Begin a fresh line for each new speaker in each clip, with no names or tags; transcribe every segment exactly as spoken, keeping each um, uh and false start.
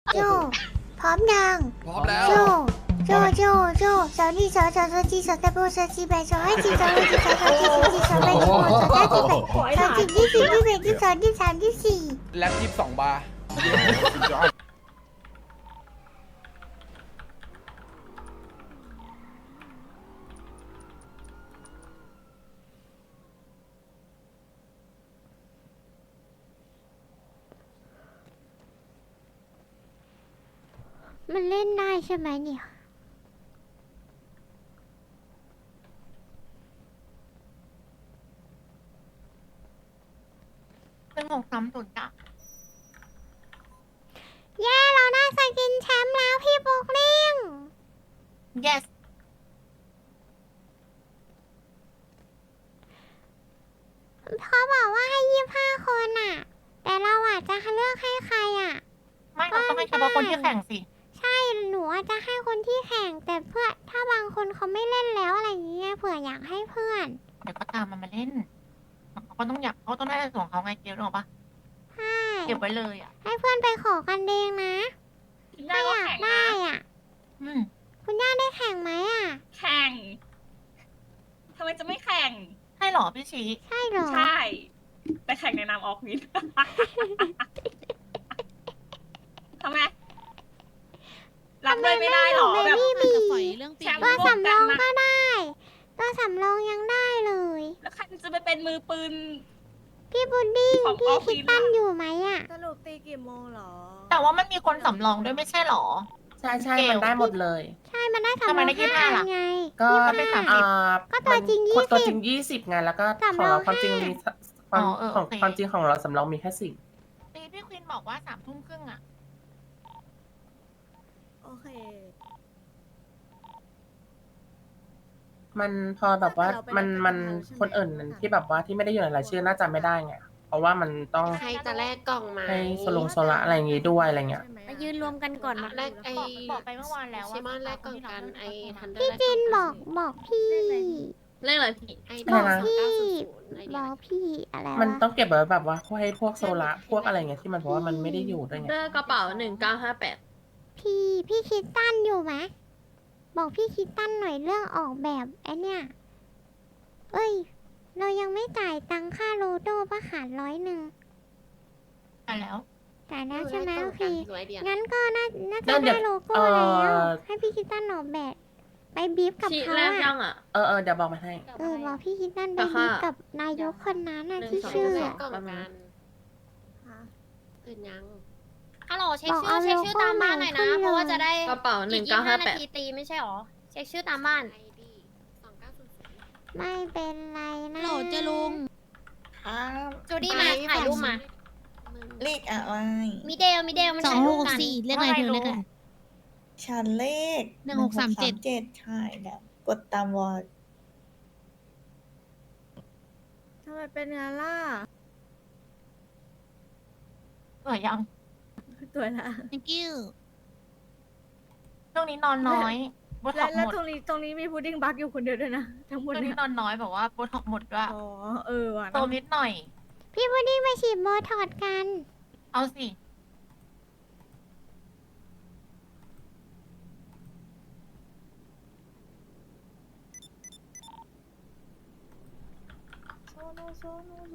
โจพร้อมยัง
พร้อมแล้ว
โจโจโจโจสาวนี่สาวสาวสาวจีสาวตะโบสาวจีแบสาวให้จีสาวให้จีสาวสาวจีสาวจีสาวแบสาวสาวจีแบสาวจีที่สี่ที่แบที่สองที่สามที่สี่
แล็บยี่สิบสองบาร์
มันเล่นได้ใช่ไหมเนี่ย
เป็นหกสามศูนย์จ้ะ
เย้เราได้สกินแชมป์แล้วพี่ปุ๊กลิง
yes
เขาบอกว่าให้ยี่ห้าคนอ่ะ แต่เราอาจจะเลือกให้ใครอ่ะ
ไม่เราต้องให้เฉพาะคนที่แข่งสิ
ใช่หนูอาจจะให้คนที่แข่งแต่เพื่อถ้าบางคนเขาไม่เล่นแล้วอะไรอย่างเงี้ยเผื่ออยากให้เพื่อน
เดี๋ยวก็ตามมันมาเล่นเขาก็ต้องอยากเขาต้องได้ส่วนของเขาไงเกลหรอกปะ
ใช่
เก็บไว้เลยอ่ะ
ให้เพื่อนไปขอกันเองนะถ้าอยากได้อ่ะ
อืม
คุณย่าได้แข่งไหมอ่ะ
แข่ง ทำไมจะไม่แข่ง
ให้หรอพี่ชี
ใช่เหรอ
ใช่ แต่แข่งในนามออกวิน ทำไม รับเลยไม่ได้หรอแบบ
เบบี้บี
แชมป์
ตัว
ร่วม
สำร
กั
อน ง
นะ
ก็ได้ตัวสำรองยังได้เลย
แล้วใครจะไปเป็นมือปืน
พี่บุดดิ้ง
ของ
พี่
ออฟฟิ
คิด
ศ
ตั้น
อะ
อยู่ไหมอ่ะ
สรุปตีกี่โมงเหรอ
แต่ว่ามันมีคนสำรองด้วยไม่ใช่หรอ
ใช่ใช่
เกล
มันได้หมดเลย
ใช่มันได้สำร
ทำ
อง
ไมได้ยี่สิบห้า
ห้า
ล่ะ
ไง
ก็
มันเป็นสามสิบ
อ่า
ก็ตัวจริง
มัน
ยี่สิบ
ตัวจริงยี่สิบไงแล้วก็
สำ
ข
ร
อ
อง
งเราความจริง
ห้ามี
มีความ
อ๋อเออ
ของ
โอเค
ความจริงของเราสำรองมีแค่สิบ
ตีพี่ควินบอกว่าสามทุ่มครึ่งอ่ะ
โอเค
มันพอแบบว่า
แต่เราไป
มัน
รายการ
มัน
เราใช่ไหม
คนอื่นมันที่แบบว่าที่ไม่ได้อยู่ในรายชื่อน่าจะไม่ได้ไงเพราะว่ามันต้อง
ใครจะแลกกล่องไหม
ให้โซลงโซละอะไรอย่างงี้ด้วยอะไรเงี้ย
ใช่ไหม
มายืนรวมกันก่อน
แลกไอ้
บอกบอกไปเมื่อวานแล้วว่า
ชิมอนแลกกล่องกันไอ้ทันเดอร์
พี่จินบอกบอกพี่
เลขอะไรพี่ไอ้
อะไรนะ
สองเก้าศูนย์ศูนย์ไอ้
บ
เนี่
อย กพี่อะไรวะ
มันต้องเก็บไว้แบบว่าพวกให้พวกโซละพวกอะไรเงี้ยที่มันเพราะว่ามันไม่ได้อยู่ด้วยไง
เดอร์กระเป๋าหนึ่งเก้าห้าแปด
พี่พี่คิดตั้นอยู่ไหมบอกพี่คิดตั้นหน่อยเรื่องออกแบบไอเนี่ยเอ้ย เรายังไม่จ่ายตังค่าโลโด้ปะขาดร้อยหนึ่ง
ไปแล้ว
จ่ายแล้วใช่ไหมโอเค
ร้อยเดียว
งั้นก็น่าน่าจะ
นั่นเดี๋
ได้
ยว
โลโก้
เอ่
แล้ว
อ
ให้พี่คิดตั้นออกแบบ ไปบีฟกับ
ชี
เขา
แลกยั
อะ
งอ่ะ
เออเออเดี๋ยวบอกมาให้
เออบอกพี่คิดตั้นไป
รา
บี
คา
ฟกับนายกคนนั้นน่ะ
หนึ่ง
ที่
สอง
ชื่อ
แล
อะ
กกล่องกัน
ฮะ
ตื่นยัง
ฮัลโหลเช็ค
บอก
ชื่
เอา
อเช็คชื่อ
โลโก้
ตามบ้านหน่อยนะ
มาขึ้นเลย
เพราะว่าจะได้
กระเป๋าห
อี
นึ่
ก
ง
ยี่
เก้า
ห้า
ห้าแป
นา
ด
ทีตีไม่ใช่หรอ เช็คชื่อตามบ้าน
ไอดีสองเก้าศูนย์ศูนย์
ไม่เป็นไรนะ
โหลดจะลุง
ครับ
จูดี้มาถ่ายรูปมา
เลขอะไร
มีเดลมีเดลมัน
สอง
ถ่าย
ห
รูป
ก
กัน
สี่เรียกอะไรเธอเรียกอะไร
ฉันเลข
หนึ่งหกสามเจ็ด
เจ็ดใช่แล้วกดตามวอร์ด
ทำไมเป็นงานล่ะ
สวยยัง
ตัวละ
thank you
ช่วงนี้นอนน้อยโบท็
แล้
อ
ว
ก
แล้ว
หมด
ตรงนี้ตรงนี้มีพุดดิ้งบักอยู่คนเดียวด้วยนะ ทั้งหมด
ช่วง
เนี่
นี้
ย
นอนน้อยแบบว่าโบท็อกหมดด้วย
อ๋อ เออว่ะ
โตนิดหน่อย
พี่พุดดิ้งไปฉีดโบท็อกซ์กัน
เอาสิ
โซโนโซโนโซ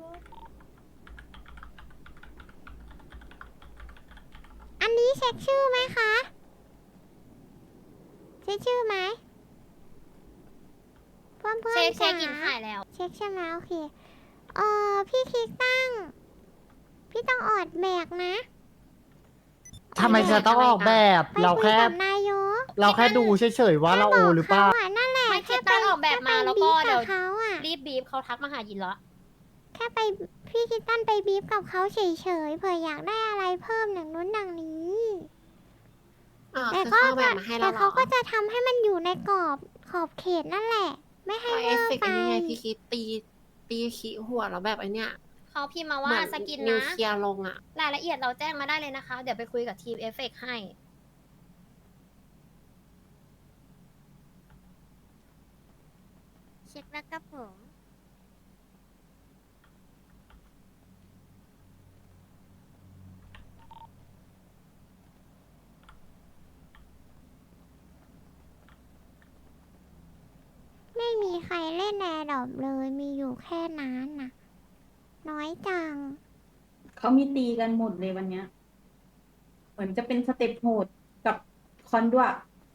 อันนี้เช็คชื่อไหมคะ เช็คชื่อไหมเพื่อนเพื่อน
เช็คเช็ค
จ๋า
กินถ่ายแล้ว
เช็คใช่ไหมโอเค เออพี่คิกตั้ง พี่ต้องออดแบกนะ
ทำไมเธอต้องออกแบบ
ไป
เรา
คุย
แค่
กับนายก
เราแค่ดูเฉยๆว่าเราโอหรือเปล่า
แค่บกขะนั่นแหละ
ไม่คิด
แค่
ตั้งออกแบบมาแล้วก็
ค่ไป
เดี๋ยว
บีฟบเขาอะ
รีบบีบเขาทักมาหายินแล้ว
แค่ไปพี่คิดตั้นไปบีฟกับเขาเฉยๆเผื่ออยากได้อะไรเพิ่มหนังนู้นหนังนี้
อ๋อ
แต่
คือ
ก็
เข้าแบบมาให้เรา
แต่
เหร
เขา
อ
ก็จะทำให้มันอยู่ในกรอบขอบเขตนั่นแหละ ไม่ให้
เอา
เว
เอ
อ
ฟ
ร์
เฟกต์
ไป
อันนี้ไงพี่คิดตีตีขี้หัวแล้วแบบไอเนี้ย
เขาพิมพ์มา
เห
ว่า
มือน
สกิน
นิว
นะ
เคลียร์ลงอ่ะ
รายละเอียดเราแจ้งมาได้เลยนะคะ เดี๋ยวไปคุยกับทีมเอฟเฟกให้
เช็คแล้วครับผมรเล่นแอร์ดรอปเลยมีอยู่แค่นั้นน่ะ น้อยจัง
เขามีตีกันหมดเลยวันเนี้ย เหมือนจะเป็นสเต็ปโหดกับคอนด้วย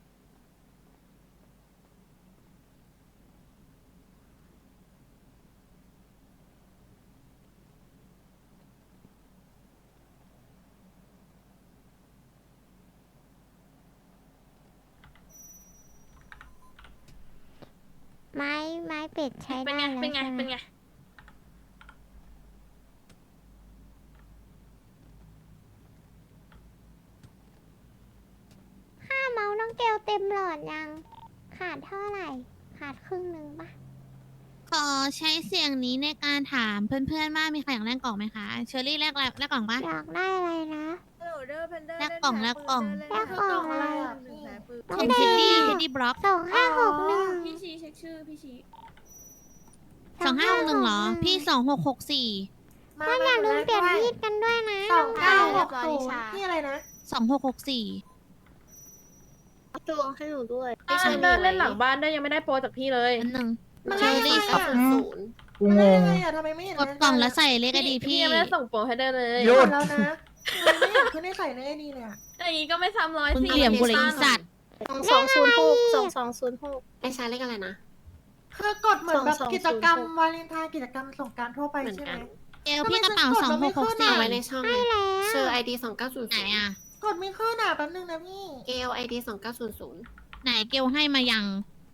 ไม้ไม้เป็ดใช้
เป็น
ได้
ไง
แล้ว
เป็นไง
ใช่ไหม
เป็นไง
ค่าเมาส์น้องเกลเต็มหลอดยัง ขาดเท่าไหร่ ขาดครึ่งหนึ่งปะ
ขอใช้เสียงนี้ในการถามเพื่อนๆว่ามีใครอยากแลกกล่องไหมคะ เชอรี่แลกอะไรแลกกล่องปะ
อยากได้อะไรนะ
ฮัลโหลเดอร์เพนเดอร์
แลกกล่องแลกกล่อง
แลกกล่องอะไร
หนึ่งแสนปืน
น้อง
เป็น
เด
เทด
ย์
ดี้เทดดี้บล็อก
สองห้าหกหนึ่ง
พี่ชีเช็คชื่อพี่ชี
สองห้าหกหนึ่งเหรอ พี่สองหกหกสี่
ก็อย่าลืมเปลี่ยนมีดกันด้วยนะ
สองเก้าหก
น้
ศู
อง
นย์ที่อะไรนะ
สองหกหกสี่
ตัวให้หนูด้วย
เดินเล่นหลังบ้านได้ยังไม่ได้โปรจากพี่เลย
อันหนึ่ง
มัน
เช
ได้
อ
ยังไง
รี่
อะ
สอง
ศูนย์
กูงง
ทำไมไม่เห็น
กดกล่องแล้วใส่เลขไอดี
พี่
พี่
ยังไม่ได้ส่งโปรให้ได้เลย
หยุด
แล้วนะทำไมไม่เห็นขึ้นในใส่ในไอดีเลยอะ
อย่างนี้ก็ไม่ซ้ำร้อย
มึง
สี่
เหลี่ยมกูเลยอีสัตว์
สองศูนย์หกสองสองศูนย์หกไอ้ชาเลขอะไรนะ
คือกดเหมือนแบบ
สองสอง
กิจกรรม
ศูนย์หก
วาเลนไทน์กิจกรรมสงกรารทั่วไป
เหมือน
ใช่ไห
กั
ม
น
เกลพี่กระเป๋าสองหกหกสี่
เอาไว้ในช่อง
ใช่แล้ว
เชอร์ไอดีสองเก้าศูนย์
ไหน
ศูนย์
อ่ะ
กดไม่ขึ้นอ่ะแป๊บนึงนะพี่
เกลไอดีสองเก้าศูนย์ศูนย์
ไหนเกลให้มายัง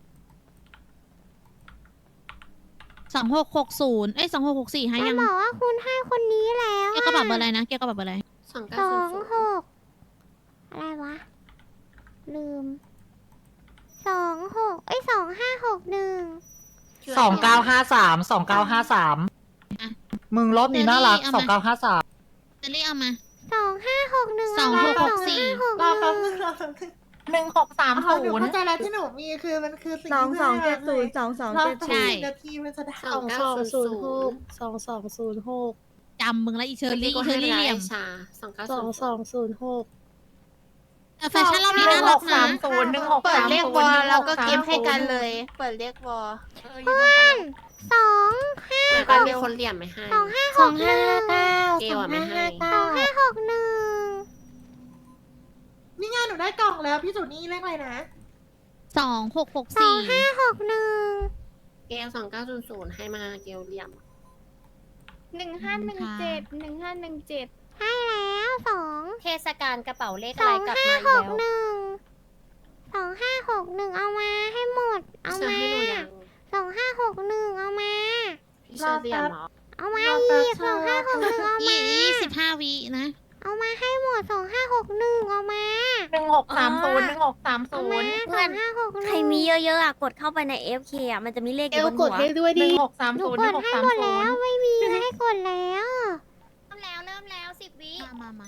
สองหกหกศูนย์เอ้ยสองหกหกสี่ให้
จะ
ยัง
บอกว่าคุณให้คนนี้แล้ว
เกลกระเป๋าเบอร์อะไรนะ เกลกระเป๋าเบอร์อะไร
สองเก้า
สอ
ศูน
ง
ย์ศูนย์
หกอะไรวะ ลืมสองหกเอ้ยสองห้าหกหนึ่ง
สองเก้าห้าสามสองเก้าห้าสามมึงรอบนี้น่ารักสองเก้าห้าสาม
เจลลี่เอามา
สองห้าหกหนึ่ง
สองหกหกสี่
รอแป๊บนึงรอแป๊บนึง
หนึ่งหกสาม
อ๋อ
ศู
หนู
นย์
เข้าใจแล้วที่หนูมีคือมันคือสิ่ง
สอง
ที่
สอง
พื่
เจ็
น
ดศูนย์สองสอง
รอ
เจ็ด
ส
ศู
อง
นย์
นาทีมันจะได้
สองเก้าศูนย์หกสองสองศูนย์หก
จำมึงแล้วอีเชอรี่อี
ก็
เชอ
ให้
รี่
ไล
เหลี่ยม
ชาสองเก้าสองสองศูนย์หก
แต่แฟชั่นรอบนี้
หนึ่
น่าง
ห
รัก
ก
นะ
สามศูนย์หนึ่งหก
เปิด
สาม
เรียก
ศู
ว
น
อ
ย์
ลแล้วก็
หนึ่งห
เก็บให้กัน
สามศูย์
เลย เปิดเรียกวอล
เอออยู่ตรงกัน
สองห้า
แล้วก็มีคนเหลี่ยมไม่ให้
สองห้าหกหนึ่ง
เกลอะไม่ให้
สองห้าหกหนึ่ง
นี่ไงหนูได้กล่องแล้วพี่สุนี่เลขอะไรนะ
สองหกหก
สอ
สี่
งห้าหกหนึ่ง
เกลสองเก้าศูนย์ศูนย์ให้มาเกลเหลี่ยม
หนึ่งห้าหนึ่งเจ็ด
หนึ่งห้าหนึ่งเจ็ด
ให้แล้วสอง
เทศกาลกระเป๋าเลข
ส
อะไร
อง
กลับ
ห้า
มาอี
ห
ก
ก
แล้ว
หนึ่งสองห้าหกหนึ่งเอามาให้หมด เอา
เชอ
มา
ให้หนูยัง
สองห้าหกหนึ่งเอามา
พี่เชอเหลี่ยมเหรอ
เอามาอีกสองห้าหกหนึ่งเอามา
ยี่ยี่สิบห้าวินะ
เอามาให้หมดสองห้าหกหนึ่งเอามา
หนึ่งหกสามศูนย์หนึ่งหกสาม
เอา
ศู
มาน
ย์
สองห้าหกหนึ่ง
ใครมีเยอะๆอ่ะ กดเข้าไปใน เอฟ เค อ่ะ มันจะมีเลขอ
เกล
ยู่บน
ก
หั
ด
ว
ให้ด้วย
ห
ดิ
นึ่งหกสาม
หนู
ศูนย์
ก
หนึ่
ด
งหก
ให้
สาม
หมด
ศู
แล้ว
นย์
ไม่มีให้กดแล้ว
เริ่มแล้ว เริ่มแล้วสิบวิ
มามามา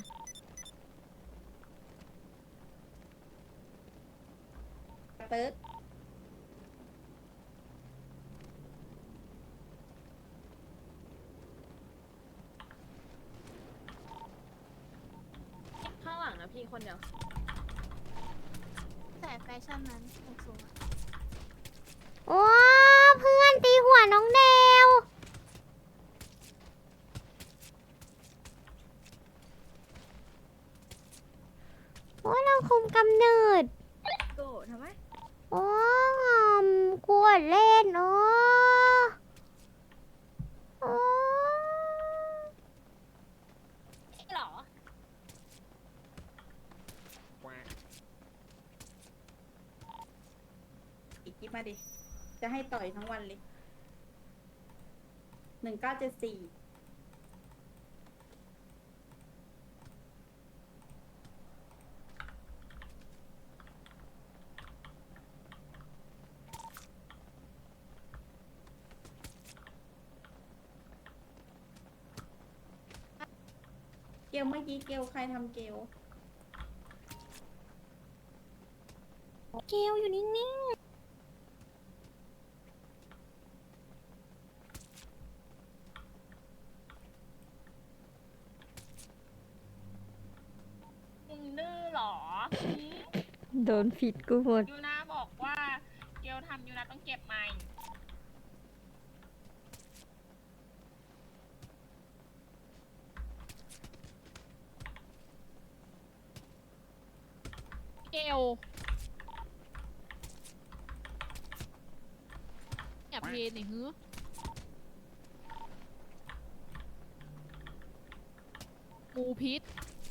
เติร์ดข้างหลังนะพี่คนเดียว
แต่แฟชั่นนั้นสูง
โอ้เพื่อนตีหัวน้องเดวโอ้เราคุมกำเนิด
โกรธทำไม
โอ้มกวดเล่นโอ้โอ้
หรอ
อีกกิ๊บมาดิ จะให้ต่อยทั้งวันเลย หนึ่งเก้าเจ็ดสี่ เกลเมื่อกี้เกลใครทำเกล
เกลอยู่นิ่ง
มึงดื้อเหรอ
โดนผิดกูหมด
ยูนาบอกว่าเกลทำยูนาต้องเก็บใหม่
เกลอย่าเพลนหนิฮึงูพิษ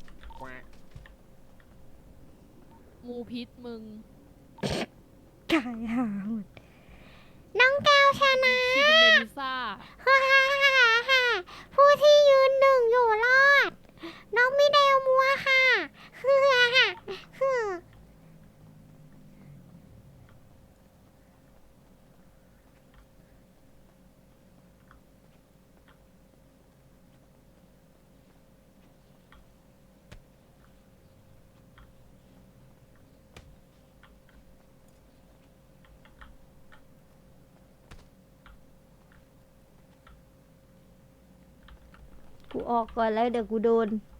งูพิษมึง
กายหาหมดน้องแก้วชนะ
ชินเมลิซ่า
ฮ่าฮ่าฮ่าฮ่าผู้ที่ยืนหนึ่งอยู่รอด น้องมิเดลมัวค่ะฮือฮ่าฮือกูออกก่อนแล้วเดี๋ยวกูโดน